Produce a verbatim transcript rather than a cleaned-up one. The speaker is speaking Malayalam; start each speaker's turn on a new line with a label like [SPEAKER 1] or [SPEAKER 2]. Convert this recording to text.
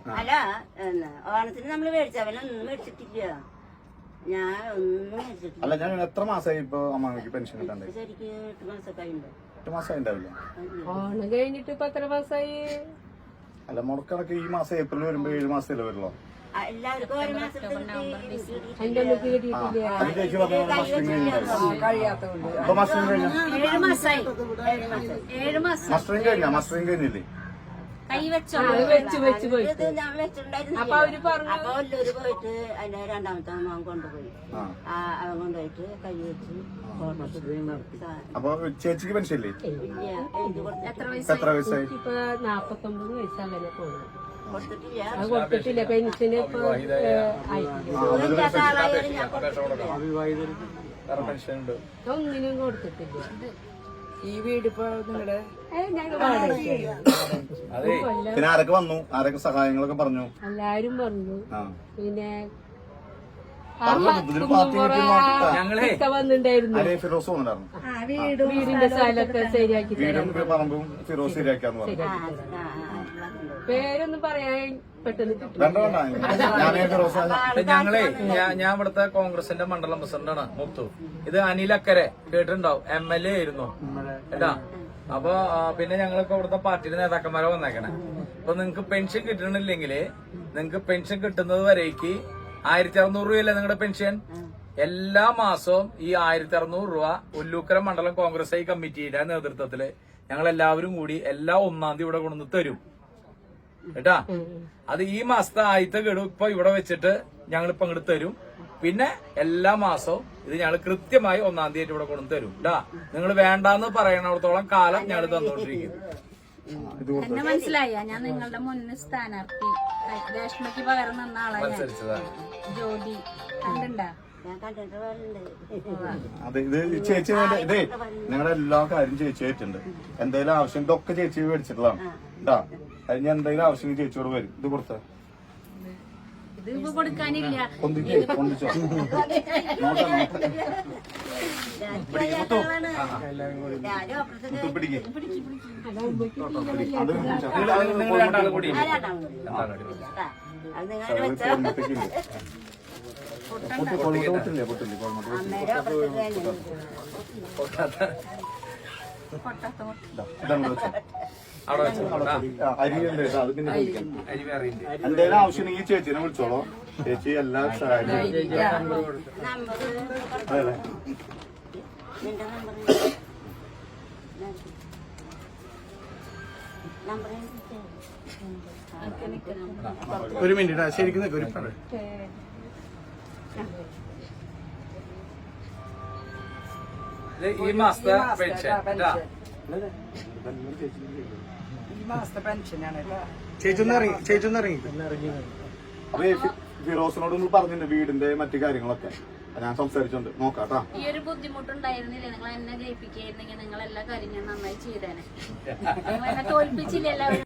[SPEAKER 1] അല്ല ഓണത്തിന് നമ്മള് മേടിച്ച അവനൊന്നും മേടിച്ചിട്ടില്ല. ഞാൻ ഒന്നും മേടിച്ചിട്ടില്ല.
[SPEAKER 2] അല്ല ഞാൻ എത്ര മാസമായി ഇപ്പൊ അമ്മക്ക് പെൻഷൻ കിട്ടാണ്ട്?
[SPEAKER 1] ശരിക്കും എട്ട് മാസമൊക്കെ ആയിണ്ടോ?
[SPEAKER 2] എട്ട് മാസമായി ഉണ്ടാവില്ല.
[SPEAKER 3] ഓണം കഴിഞ്ഞിട്ട് ഇപ്പൊ എത്ര മാസമായി?
[SPEAKER 2] അല്ല മുടക്കണക്ക് ഈ മാസം ഏപ്രിൽ വരുമ്പോ ഏഴ് മാസത്തിലേ വരുള്ളൂ.
[SPEAKER 1] എല്ലാവർക്കും ഒരു മാസം
[SPEAKER 3] അതിന്റെ ഒന്നും കിട്ടിയിട്ടില്ല.
[SPEAKER 2] അത് ചേച്ചി പറഞ്ഞ മസ്റ്ററിംഗ് കഴിഞ്ഞില്ല. ഇപ്പൊ മസ്റ്ററിംഗ് കഴിഞ്ഞ
[SPEAKER 1] ഏഴ് മാസമായി. ഏഴ് മാസം ഏഴ് മാസം
[SPEAKER 2] മസ്റ്ററിംഗ് കഴിഞ്ഞ മസ്റ്ററിംഗ് കഴിഞ്ഞില്ലേ?
[SPEAKER 1] കൈ വെച്ചോ
[SPEAKER 3] വെച്ച് വെച്ച് പോയിട്ട്
[SPEAKER 1] ഞാൻ വെച്ചിട്ടുണ്ടായിരുന്നു.
[SPEAKER 3] അപ്പൊ അവര് പറഞ്ഞു
[SPEAKER 1] അപ്പൊ ഒല്ലൂര് പോയിട്ട് അതിന്റെ രണ്ടാമത്തെ അവൻ കൊണ്ടുപോയി. ആ അവൻ കൊണ്ടുപോയിട്ട് കൈ വെച്ച്
[SPEAKER 2] അപ്പൊ ചേച്ചിക്ക് പെൻഷൻ ഇല്ലേ?
[SPEAKER 1] എത്ര
[SPEAKER 2] എത്ര വയസ്സായി?
[SPEAKER 3] ഇപ്പൊ നാപ്പത്തൊമ്പത് വയസ്സ് അങ്ങനെ പോകുന്നു.
[SPEAKER 1] കൊടുത്തിട്ടില്ല.
[SPEAKER 3] അത് കൊടുത്തിട്ടില്ല. പെൻഷന് ഇപ്പൊ ഒന്നിനും കൊടുത്തിട്ടില്ല.
[SPEAKER 4] ഈ വീട് ഇപ്പൊ നിങ്ങളുടെ
[SPEAKER 2] പിന്നെ ആരൊക്കെ വന്നു? ആരൊക്കെ സഹായങ്ങളൊക്കെ പറഞ്ഞു?
[SPEAKER 3] എല്ലാരും പറഞ്ഞു. പിന്നെ
[SPEAKER 2] ഞങ്ങളെ
[SPEAKER 3] വന്നിണ്ടായിരുന്നു.
[SPEAKER 2] ഫിറോസ് വന്നിട്ടുണ്ടായിരുന്നു.
[SPEAKER 3] വീടിന്റെ സ്ഥലമൊക്കെ ശരിയാക്കി
[SPEAKER 2] വീടും പറമ്പും ഫിറോസ് ശരിയാക്കാന്ന് പറഞ്ഞു.
[SPEAKER 3] പേരൊന്നും പറയാൻ പെട്ടെന്ന്
[SPEAKER 2] വേണ്ട വേണ്ട ഞാനേ ഫിറോസ്.
[SPEAKER 5] ഞങ്ങളെ ഞാൻ ഇവിടുത്തെ കോൺഗ്രസിന്റെ മണ്ഡലം പ്രസിഡന്റാണ് മുത്തു. ഇത് അനിലക്കരെ കേട്ടിട്ടുണ്ടാവും, എം എൽ എ ആയിരുന്നു കേട്ടാ. അപ്പൊ പിന്നെ ഞങ്ങൾക്ക് ഇവിടുത്തെ പാർട്ടിയുടെ നേതാക്കന്മാരെ വന്നേക്കണേ. അപ്പൊ നിങ്ങക്ക് പെൻഷൻ കിട്ടണില്ലെങ്കില് നിങ്ങക്ക് പെൻഷൻ കിട്ടുന്നത് വരേക്ക് ആയിരത്തി അറുന്നൂറ് രൂപയല്ലേ നിങ്ങളുടെ പെൻഷൻ? എല്ലാ മാസവും ഈ ആയിരത്തി അറുന്നൂറ് രൂപ ഒല്ലൂക്കര മണ്ഡലം കോൺഗ്രസ് ഐ കമ്മിറ്റിയുടെ നേതൃത്വത്തില് ഞങ്ങൾ എല്ലാവരും കൂടി എല്ലാ ഒന്നാം തീയതി ഇവിടെ കൊണ്ടുവന്ന് തരും കേട്ടാ. അത് ഈ മാസത്തെ ആദ്യത്തെ ഗഡു ഇപ്പൊ ഇവിടെ വെച്ചിട്ട് ഞങ്ങൾ ഇപ്പൊ അങ്ങോട്ട് തരും. പിന്നെ എല്ലാ മാസവും ഇത് ഞങ്ങൾ കൃത്യമായി ഒന്നാം തീയതി ഇവിടെ കൊണ്ടു തരും കേട്ടാ. നിങ്ങൾ വേണ്ടാന്ന് പറയണത്തോളം കാലം ഞങ്ങൾ തന്നുകൊണ്ടിരിക്കും.
[SPEAKER 6] എന്നെ മനസ്സിലായ ഞാൻ നിങ്ങളുടെ മുന്നിൽ സ്ഥാനാർത്ഥി രേഷ്മയ്ക്ക് പകരം നിന്ന ആളാണ് ജ്യോതി. കണ്ടുണ്ടാ?
[SPEAKER 2] അതെ ഇത് ചേച്ചി ഇതേ നിങ്ങളുടെ എല്ലാ കാര്യം ചേച്ചി ആയിട്ടുണ്ട്. എന്തെങ്കിലും ആവശ്യം ഇതൊക്കെ ചേച്ചി മേടിച്ചിട്ടുള്ളതാണ് കേട്ടാ. അതിന് എന്തെങ്കിലും ആവശ്യം ചേച്ചിയോട് വരും. ഇത് കൊടുത്ത
[SPEAKER 6] ഇത് ഇപ്പൊ കൊടുക്കാനില്ല.
[SPEAKER 2] പൊന്തിക്കേ പൊന്തിച്ചോ പിടിക്കേ അത്
[SPEAKER 5] നിങ്ങൾ രണ്ടാളും കൂടി
[SPEAKER 2] പൊട്ടില്ലേ പൊട്ടില്ലേ ഇതാണ് വെച്ചോ
[SPEAKER 5] അവിടെ വെച്ചോ.
[SPEAKER 2] അരിയല്ലേ അത് പിന്നെ ചോദിക്കാം.
[SPEAKER 5] അരി വേറെ
[SPEAKER 2] എന്തെങ്കിലും ആവശ്യം ഈ ചേച്ചിനെ വിളിച്ചോളോ. ചേച്ചി എല്ലാ സഹായം
[SPEAKER 1] നമ്പർ
[SPEAKER 2] അതെ.
[SPEAKER 1] നിന്റെ നമ്പർ നമ്പർ
[SPEAKER 2] ഒരു മിനിറ്റ് ശരിക്കും ഒരു പറ
[SPEAKER 5] ഈ മാസത്തെ പെൻഷൻ കേട്ടാ.
[SPEAKER 4] ഈ മാസത്തെ പെൻഷനാണ്.
[SPEAKER 2] ചേച്ചൊന്ന് ഇറങ്ങി ചേച്ചൊന്ന് ഇറങ്ങി അപ്പൊ ഫിറോസിനോട് ഒന്ന് പറഞ്ഞിട്ടുണ്ട് വീടിന്റെ മറ്റു കാര്യങ്ങളൊക്കെ. ഞാൻ സംസാരിച്ചോണ്ട് നോക്കാട്ടാ.
[SPEAKER 6] ഈ ഒരു ബുദ്ധിമുട്ടുണ്ടായിരുന്നില്ലേ? നിങ്ങൾ എന്നെ ജയിപ്പിക്കായിരുന്നെങ്കിൽ നിങ്ങൾ എല്ലാ കാര്യം ഞാൻ നന്നായി ചെയ്തേനെ. നിങ്ങൾ എന്നെ തോൽപ്പിച്ചില്ല എല്ലാവരും.